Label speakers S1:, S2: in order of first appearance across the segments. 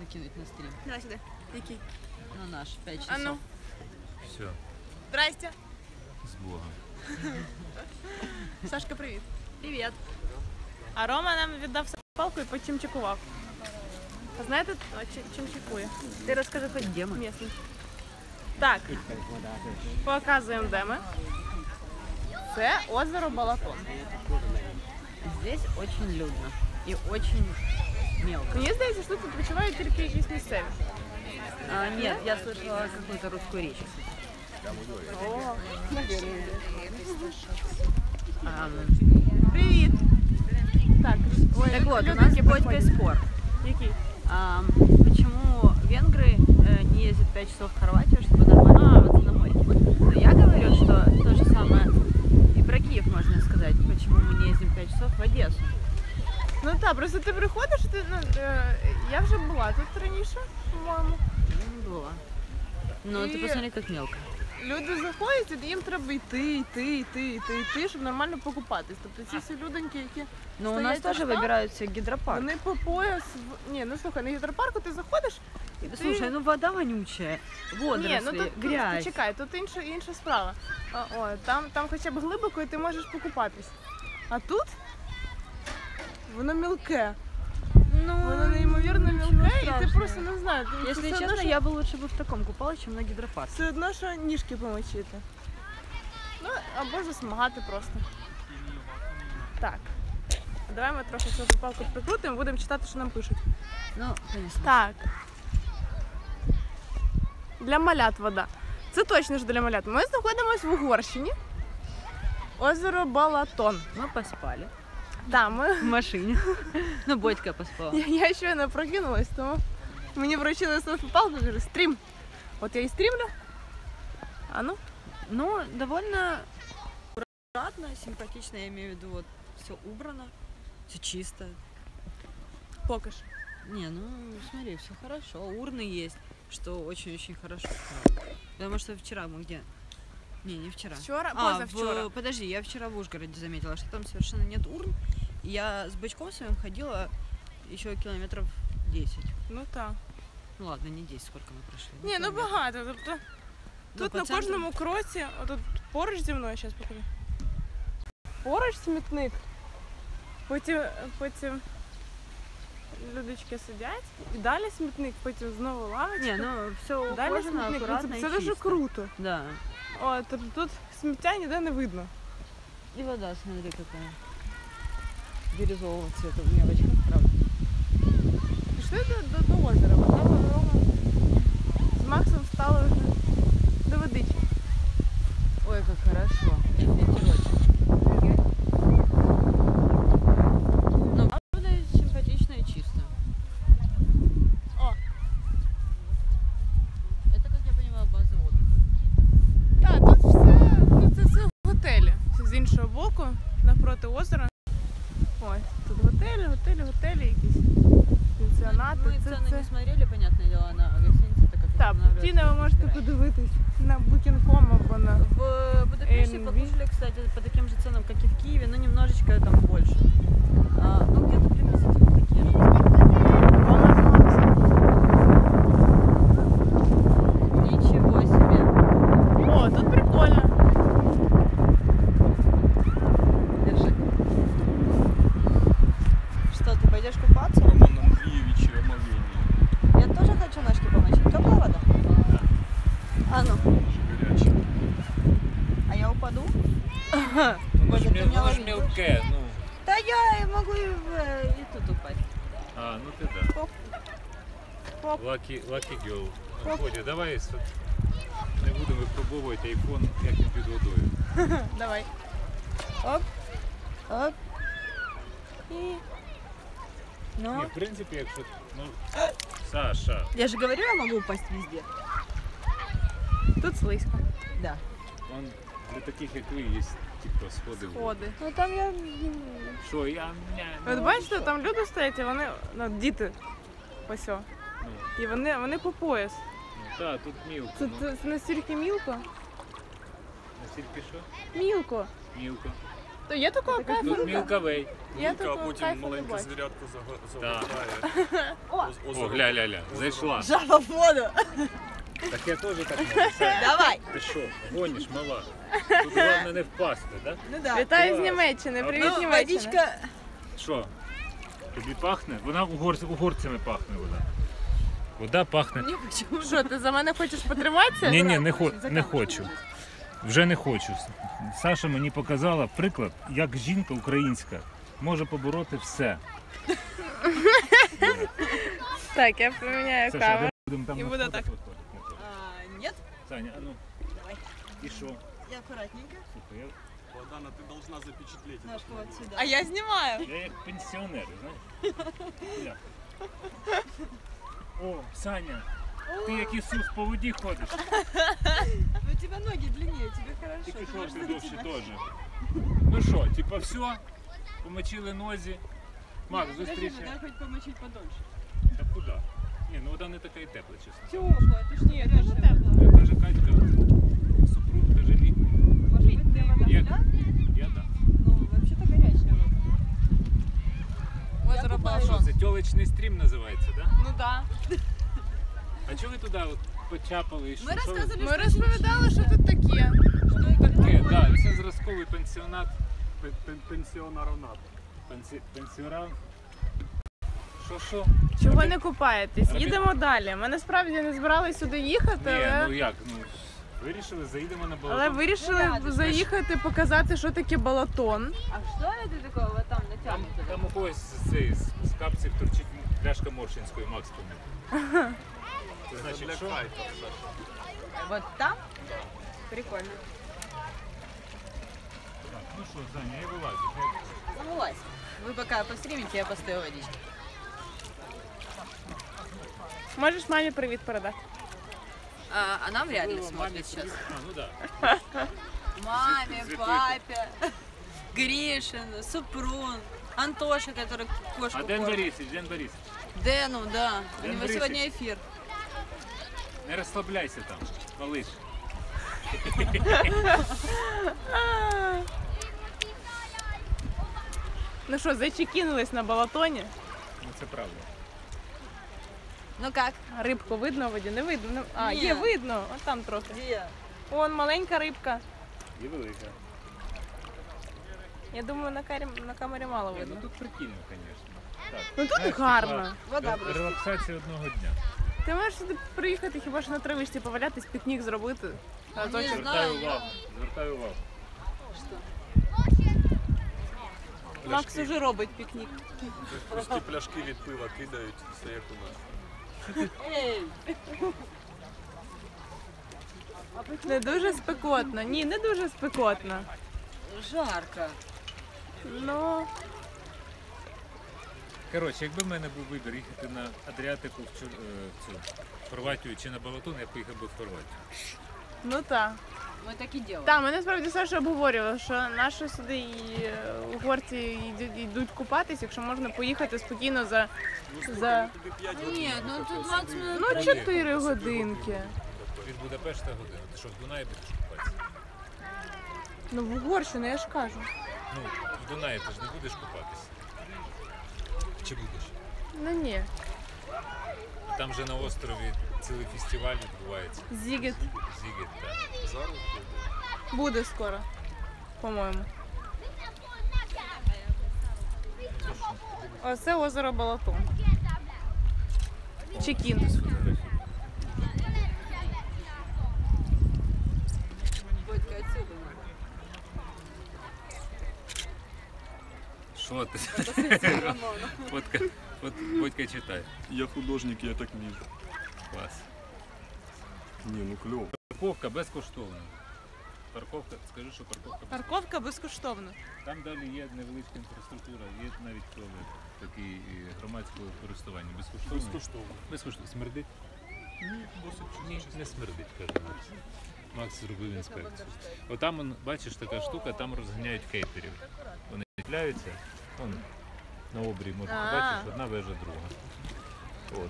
S1: кинуть на стрим?
S2: Давай сюда. Який?
S1: На наш, 5 часов.
S2: А ну.
S3: Все,
S2: Здрасте.
S3: з Богом.
S2: Сашка, привіт.
S1: Привет.
S2: А Рома нам віддав палку і потім чекував. А знаєте, чим чекує?
S1: Ти розкажи хоч де ми.
S2: Місний. Так, показуємо, де ми. Це озеро Балатон.
S1: Здесь очень людно и очень мелко.
S2: Мені здається, що тут відпочивають тільки якісь місцеві.
S1: Нет, я слышала какую-то русскую речь.
S2: О,
S1: Привет.
S2: привіт. Так, ой,
S1: Так вот, у
S2: люди,
S1: нас
S2: які
S1: с Бодькой
S2: приходять.
S1: спор.
S2: Який?
S1: Почему венгры не ездят 5 часов в Хорватию, чтобы нормально купаться на море? Но я говорю, что то же самое и про Киев можно сказать. Почему мы не ездим 5 часов в Одессу?
S2: Ну так, просто ти приходиш, я вже була тут раніше, по-моєму.
S1: Не было. Ну, ты
S2: И-
S1: посмотри, как мелко.
S2: Люди заходять, і їм треба йти, щоб нормально покупатись. Тобто ці всі людоньки, які
S1: Но у нас
S2: стоять
S1: тоже
S2: аж там,
S1: выбираются гидропарк.
S2: вони по пояс. Ні, ну слухай, на гідропарку ти заходиш. І ти...
S1: Слушай, ну вода вонючая, водоросли,
S2: Ні, ну тут
S1: грязь.
S2: чекай, тут інша справа. Там хоча б глибоко і ти можеш покупатись. А тут воно мілке.
S1: Ну,
S2: Воно неймовірно
S1: ничего
S2: мілке, і ти
S1: страшного.
S2: просто не знаю. Ти
S1: Если
S2: все одно,
S1: честно,
S2: що-
S1: я бы лучше бы в таком купалась, чем на гидропарке.
S2: Все одно, що ніжки помочити. Ну, або засмагати просто. Так. Давай ми трохи цю палку прикрутимо, будемо читати, що нам пишуть.
S1: Ну, конечно.
S2: Так. Для малят вода. Це точно ж для малят. Ми знаходимося в Угорщині. Озеро Балатон.
S1: Мы поспали
S2: Так, ми...
S1: в машине. Ну, Бодька поспала.
S2: Я щойно прокинулась, тому мені вручили селфі-палку, кажу, стрім. От я і стрімлю. А ну?
S1: Ну, довольно аккуратно, симпатично, я имею в виду, вот все убрано, все чисто.
S2: Поки що.
S1: Не, ну смотри, все хорошо, урны есть, что очень-очень хорошо. Потому что вчера мы где? Не вчера.
S2: Вчора, позавчора.
S1: Подожди, я вчера в Ужгороде заметила, что там совершенно нет урн. И я с бычком своим ходила еще километров 10.
S2: Ну так.
S1: Ну ладно, не 10, сколько мы прошли.
S2: Ні, ну
S1: километров.
S2: багато. Тобто тут
S1: по
S2: на
S1: центру.
S2: кожному кроці, отут поруч зі мною, зараз покажу. Поруч смітник. Потім людочки сидять, і далі смітник, потім знову лавочка.
S1: Не, ну все
S2: далі
S1: ухожено,
S2: смітник. Ну,
S1: аккуратно
S2: це
S1: и
S2: дуже
S1: чисто.
S2: круто.
S1: Да.
S2: О, тобто тут сміття ніде не видно.
S1: И вода, смотри, какая. Бирюзового цвета в мелочках, правда.
S2: Пішли до озера. Рома з Максом стали вже до водички.
S1: Ой, как хорошо. Ветерочек. Ну, правда, симпатично и чисто.
S2: О,
S1: Это, как я понимаю, база отдыха.
S2: так, тут все, ну це все готелі. З іншого боку, навпроти озера. Ось, тут готелі якісь. Пенсіонати.
S1: Мы цены не смотрели, понятное дело, на гостинице, так как
S2: Так,
S1: устанавливается
S2: ціни ви можете
S1: выбирать.
S2: подивитись на Booking.com або на...
S1: В Будапеште
S2: Airbnb.
S1: покушали, кстати, по таким же ценам, как и в Киеве, но немножечко там больше. Ну, где-то приблизительно такие же. Ничего себе.
S2: О, тут прикольно.
S1: Держи. Что, ты пойдешь купаться?
S3: Роман Андрієвич омовіння.
S1: Я тоже хочу ножки помочь. Теплая вода? А ну,
S3: Гаряче.
S1: а я упаду?
S3: Воно ж
S1: Бодя, ты меня
S3: воно ж
S1: ловить
S3: мілке, ну.
S1: Да я могу и тут упасть.
S3: А, ну ти да.
S2: Хоп. Хоп.
S3: Lucky girl.
S2: Хоп.
S3: Бодя, давай не будемо випробовувати айфон, як він під водою.
S2: Давай. Оп. Оп. І... Ну,
S3: Ні, в принципі, якщо... Ну, Саша,
S1: Я же говорю, я могу упасть везде.
S2: тут слизько.
S1: Да.
S3: он для таких, як ви, є типу сходи.
S2: Сходи.
S1: Ну там я...
S3: Що, я...
S2: От бачите, там люди стоять, і вони, ну, діти, ось о.
S3: Ну,
S2: І вони по пояс.
S3: так, тут мілко.
S2: Це,
S3: Ну,
S2: це настільки мілко.
S3: настільки що?
S2: Мілко.
S3: Мілко.
S2: То є такого кайфу?
S3: Тут мілкавей.
S2: Я
S4: А
S2: такого
S4: потім
S2: кайфу не
S4: маленьку
S2: бачу.
S4: звірятку
S3: Так.
S4: загортає.
S3: О, гля-ля-ля, зайшла.
S1: Жаба в воду.
S3: Так я теж так можу. Саня,
S1: Давай.
S3: ти що, гониш, мала? Тут головне не впасти, так?
S1: Ну да.
S2: Вітаю з
S3: Клас.
S2: Німеччини, привіт,
S1: Ну,
S2: Німеччина.
S1: водичка.
S3: Що? Тобі пахне? Вона угорцями пахне вода. Вода пахне.
S1: Мне почему?
S2: Що, ти за мене хочеш потриматися?
S3: Ні, не хочу. Вже не хочу. Саша мені показала приклад, як жінка українська може побороти все.
S2: Так, я поміняю
S3: Саша,
S2: каву.
S3: ми будемо там
S2: І
S3: на
S2: буде
S3: сходах
S2: так.
S3: виходити.
S1: Нет?
S3: Саня, а ну.
S1: Давай.
S3: І що?
S1: Я аккуратненько.
S3: Слухай,
S4: Богдана, ти должна запечатлеть.
S1: Ножку вот сюда.
S2: А я знімаю.
S3: я як пенсіонер, знаєш? Бля. О, Саня, ти як Ісус по воді ходиш.
S1: Ну, у тебя ноги длиннее, тебе хорошо.
S3: Тільки
S1: Ты можешь
S3: шорти довші
S1: зайти
S3: теж. Ну що, типа все, помочили нозі. Макс,
S1: на- Подожди,
S3: зустрічай.
S1: надо хоть помочить подольше.
S3: Та куди? Ні, ну вода не така і тепла, чесно.
S1: Теплая, ты ж не
S2: Дуже тепло.
S3: Я каже Катька, супруг каже літній.
S1: Может быть, ты вода
S3: Я,
S1: да?
S3: я да.
S1: Ну, вообще-то горячая вода.
S2: Озеро
S3: Що це, тьолочний стрім називається, так? Да?
S2: Ну так.
S3: А чого ви туди от почапали і що?
S1: Мы
S3: що ви-
S1: рассказывали,
S2: Ми розповідали, що тут таке.
S3: Таке, да, це зразковий пенсіонат.
S4: Пенсіонарнат.
S3: Пенсіонат. Що?
S2: Чого не купаєтесь?
S3: Робі-
S2: Їдемо далі. Ми насправді не збиралися сюди їхати,
S3: Ні, ну
S2: але,
S3: як, ну вирішили, заїдемо на балкон.
S2: але вирішили
S1: Ну,
S2: заїхати, показати, що таке балатон.
S1: А что это такое вот там
S3: Там,
S1: натянуто?
S3: там у когось з капців торчить пляшка Моршинської, Макс помив. Це значить, що?
S1: Вот там? Прикольно.
S3: Так, ну що, Саня, я вилазю.
S1: Ну, вылазь. Вы пока постримите, я постою водички.
S2: Можеш мамі привіт передати?
S1: А нам вряд ли смотрит сейчас.
S3: А, ну да.
S1: Маме,
S3: Цветы.
S1: папе, Гришин, Супрун, Антоша, который кошку
S3: А Ден
S1: кормит.
S3: Борисович, Ден Борисович,
S1: Дэну, да. У
S3: Ден
S1: него
S3: Борисович.
S1: сегодня эфир.
S3: не розслабляйся там, малиш.
S2: Ну що, зачекінулись на балатоні.
S3: Ну це правда.
S1: Ну как?
S2: Рибку видно в воді? Не видно. А,
S1: Ні.
S2: є видно. От там трохи.
S1: Где?
S2: Вон маленька рибка.
S3: І велика.
S2: Я думаю, на камері мало
S3: Ні, ну
S2: видно.
S3: тут прикольно, звісно. Так.
S2: Ну тут
S3: Знаєш,
S2: гарно.
S1: Вода
S3: типа,
S1: просто.
S3: релаксація одного дня.
S2: Ти можеш сюди приїхати хіба що на травичці повалятись, пікнік зробити. Разочок.
S1: Ні.
S3: Звертаю
S1: Знаю,
S3: увагу, звертаю увагу.
S1: Что?
S2: Макс уже робить пікнік.
S4: Пусті пляшки від пива кидають, все як у нас.
S1: Эй!
S2: Не дуже спекотно. Ні, не дуже спекотно.
S1: Жарко.
S2: Ну,
S3: Коротше, якби в мене був вибір їхати на Адріатику в цю Хорватію чи на Балатон, я поїхав би в Хорватію.
S2: ну так.
S1: Мы так и делаем.
S2: Так, ми насправді Саша обговорювали, що наші сюди і угорці йдуть купатись, якщо можна поїхати спокійно за
S4: Туди 5 годин.
S1: Нет, ну тут 20 минут.
S2: ну, 4 годинки.
S3: Від Будапешта година. Ти що, в Дунаї будеш купатися?
S2: Ну в Угорщину, я ж кажу.
S3: Ну, в Дунаї ти ж не будеш купатися. Чи будеш?
S2: Ну ні.
S3: Там же на острові цілий фестиваль відбувається.
S2: Зігет
S3: Зігет, так.
S4: Зараз буде.
S2: буде скоро, по-моєму. Оце озеро Балатон. Чекін.
S1: Бодька, отсюда надо.
S3: Що ти?
S1: Рамона.
S3: Бодька читай.
S4: Я художник, я так вмію.
S3: Клас.
S4: Ні, ну кльово.
S3: Парковка безкоштовна. Парковка, скажи, що парковка безкоштовна.
S2: Парковка безкоштовна.
S3: Там далі є невеличка інфраструктура, є навіть туалет, такий громадського користування. Безкоштовно.
S4: Безкоштовно.
S3: Безкоштовно. Смердить? Ні, не смердить, каже Макс. Макс зробив інспекцію. Отам, бачиш, така штука, там розганяють кейтерів. Вони чіпляються, вон, на обрії можна побачити, одна вежа, друга. От.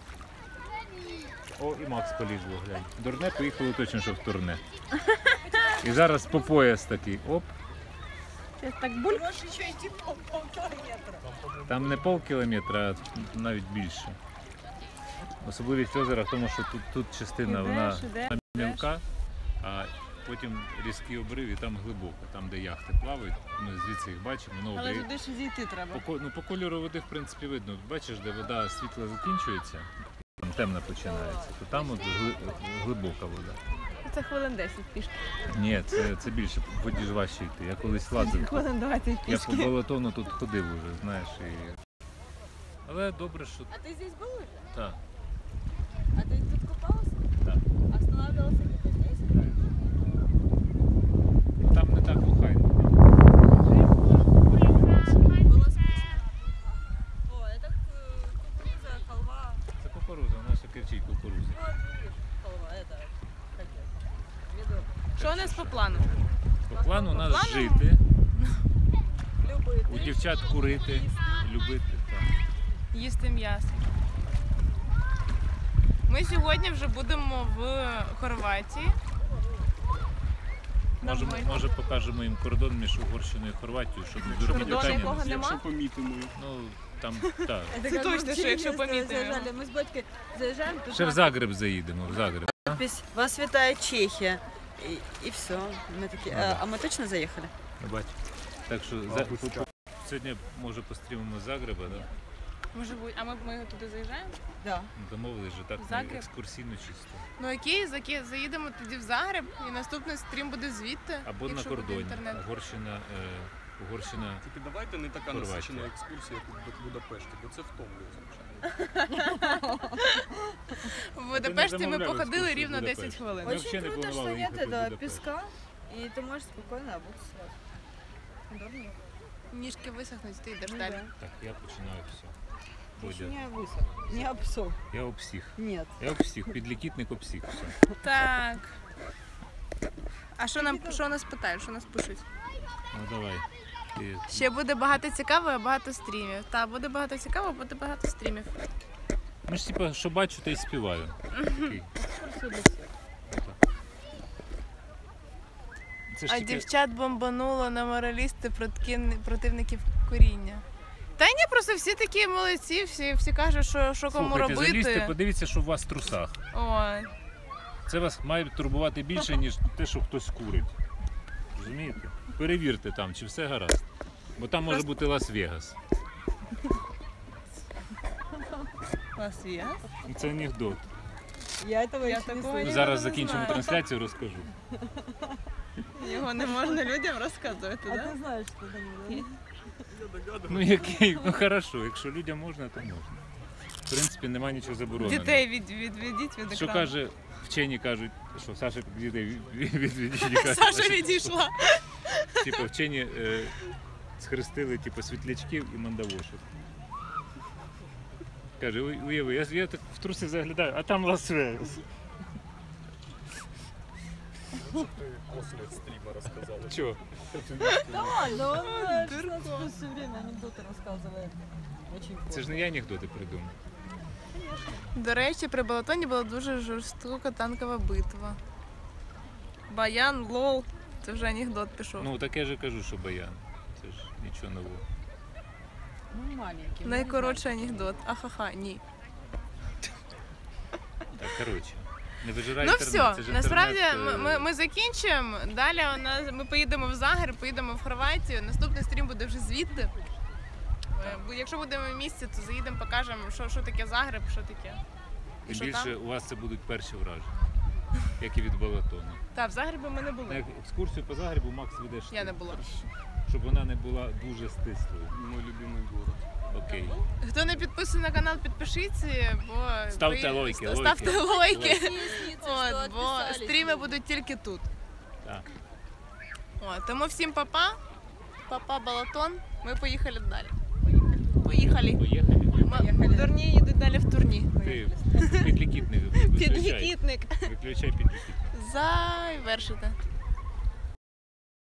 S3: О, і Макс полізло, глянь. Дурне поїхало точно, що в турне. І зараз по пояс такий, оп.
S1: Сейчас так буль.
S3: Там не полкілометра, а навіть більше. Особливість озера в тому, що тут частина вона мілка, а потім різкий обрив і там глибоко, там де яхти плавають, ми звідси їх бачимо.
S1: Але туди ще зійти треба.
S3: По кольору води, в принципі, видно. Бачиш, де вода світла закінчується, там темна починається, то там от глибока вода.
S1: Це хвилин 10 пішки.
S3: Ні, це більше, в воді ж важче йти. Я колись лазив.
S1: Хвилин 20
S3: Я
S1: пішки.
S3: по балатону тут ходив уже, знаєш. Але добре, що
S1: А ты здесь был уже?
S3: так.
S1: А ты тут купался?
S3: Так.
S1: Останавливался где-то здесь?
S3: Там не так охайно.
S1: Было скучно. О, это кукуруза, халва.
S3: Це кукуруза, у нас кричить кукуруза.
S1: Вот, видишь, халва, это, как это, ведро.
S2: Що у нас по плану?
S3: По плану у нас
S2: плану?
S3: жити,
S1: Любые
S3: у дівчат курити, любити. Так.
S2: Їсти м'ясо. Ми сьогодні вже будемо в Хорватії.
S3: Може покажемо їм кордон між Угорщиною і Хорватією, щоб не дурні
S2: Кордон,
S3: питання.
S2: якого
S3: не
S2: нема?
S4: Якщо помітимо.
S3: Ну, там, так.
S1: Это
S2: Це
S1: как мы
S2: точно,
S1: в
S2: що якщо
S1: Чернігівську
S2: помітимо.
S1: заїжджали. Ми з батьком заїжджаємо. тут
S3: Ще в Загреб заїдемо, в Загреб.
S1: надпись «Вас вітає Чехія». І все. Ми такі, а ми точно заїхали?
S3: Бач. Так що сьогодні, може, пострімимо з Загреба, да?
S2: Може бути, а ми туди заїжджаємо?
S1: Да.
S3: Домовились же так,
S2: Загреб?
S3: екскурсійно чисто.
S2: Ну окей, заїдемо тоді в Загреб і наступний стрім буде звідти.
S3: Або на
S2: якщо буде
S3: кордоні.
S2: інтернет.
S3: Угорщина.
S4: Тільки давайте не така
S3: Хорватія.
S4: насичена екскурсія, як у Будапешті, бо це втомлює, звичайно.
S2: В Будапешті ми
S3: замовляли
S2: походили
S3: екскурсію в
S2: рівно 10
S3: Будапешт.
S2: хвилин.
S3: Ми взагалі не
S1: круто,
S3: планували
S1: что нет
S3: їхати в
S1: этого
S3: Будапешт.
S1: песка, и ты можешь спокойно обуться сразу. Удобно?
S2: Ніжки висохнуть, ти йдеш
S1: Ну
S2: далі.
S1: да.
S3: Так, я починаю все.
S1: Ты еще
S3: Бодя.
S1: не высох, не обсох.
S3: Я об всіх.
S1: Нет.
S3: Я об всіх. Підлікітник об всіх. Все.
S2: Так. А що нас питають, що нас пишуть?
S3: Ну давай. Ти...
S2: Ще буде багато цікавого, багато стрімів. Так, буде багато цікавого, буде багато стрімів.
S3: Ну ж типа, що бачу, то й співаю. Такий. Це ж
S2: А
S3: тільки...
S2: дівчат бомбануло на моралісти противників коріння. Та ні, просто всі такі молодці, всі кажуть, що кому
S3: Слухайте, залізьте,
S2: робити.
S3: подивіться, що у вас в трусах.
S2: Ой.
S3: Це вас має турбувати більше, ніж те, що хтось курить. Розумієте? Перевірте там, чи все гаразд. Бо там може бути Лас-Вегас.
S1: Лас-Вегас?
S3: Це анекдот.
S1: Я этого
S2: Я
S1: еще не
S2: такого
S1: слышала.
S2: не
S3: Зараз
S2: знаю.
S3: закінчимо трансляцію, розкажу.
S2: Його не можна людям розказувати,
S1: А
S2: так?
S1: ты знаешь, что там, да?
S3: Ну який, ну хорошо, якщо людям можна, то можна. В принципі, немає нічого забороненого.
S2: Дітей відведіть від
S3: Що
S2: екрану.
S3: каже, вчені кажуть, що Саша дітей відвідує.
S2: Саша відійшла.
S3: Типу вчені схрестили типу, світлячків і мандавошок. Каже, уяви, я так в труси заглядаю, а там Лас-Вегас.
S4: Що ти після стріма розказала?
S3: Чого?
S1: Да, но он 16 все время анекдоты рассказывает. Очень
S3: Це ж не я анекдоти придумав.
S2: До речі, при Балатоні була дуже жорстока танкова битва. Баян, лол. Це вже анекдот пішов.
S3: Ну так я же кажу, що баян. Це ж нічого нового.
S1: Ну, маленький.
S2: Найкоротший анекдот. Ахаха, ні.
S3: Так, коротше. Не вижирай
S2: Ну
S3: інтернет.
S2: все,
S3: це ж
S2: насправді
S3: інтернет,
S2: ми закінчуємо. Далі ми поїдемо в Загреб, поїдемо в Хорватію. Наступний стрім буде вже звідти. Бо якщо будемо в місті, то заїдемо, покажемо, що таке Загреб, що таке. І
S3: Тим
S2: що
S3: більше
S2: там.
S3: у вас це будуть перші враження, як і від Балатону.
S2: Так, в Загребі ми не були.
S3: На екскурсію по Загребу Макс ведеш ти.
S2: Я не була.
S3: Щоб вона не була дуже стислою.
S4: Мой любимий город.
S3: Окей.
S2: Хто не підписаний на канал, підпишіться, бо
S3: Ставте лайки,
S2: ставте лайки.
S1: От,
S2: От, бо стріми будуть тільки тут.
S3: Так.
S2: От, тому всім папа. Папа Балатон. Ми поїхали далі. Поїхали.
S3: Поїхали.
S2: Дурні їдуть далі в турні.
S3: Ти підлікітник виключай.
S2: Підлікітник.
S3: Виключай підлікітник.
S2: Завершити.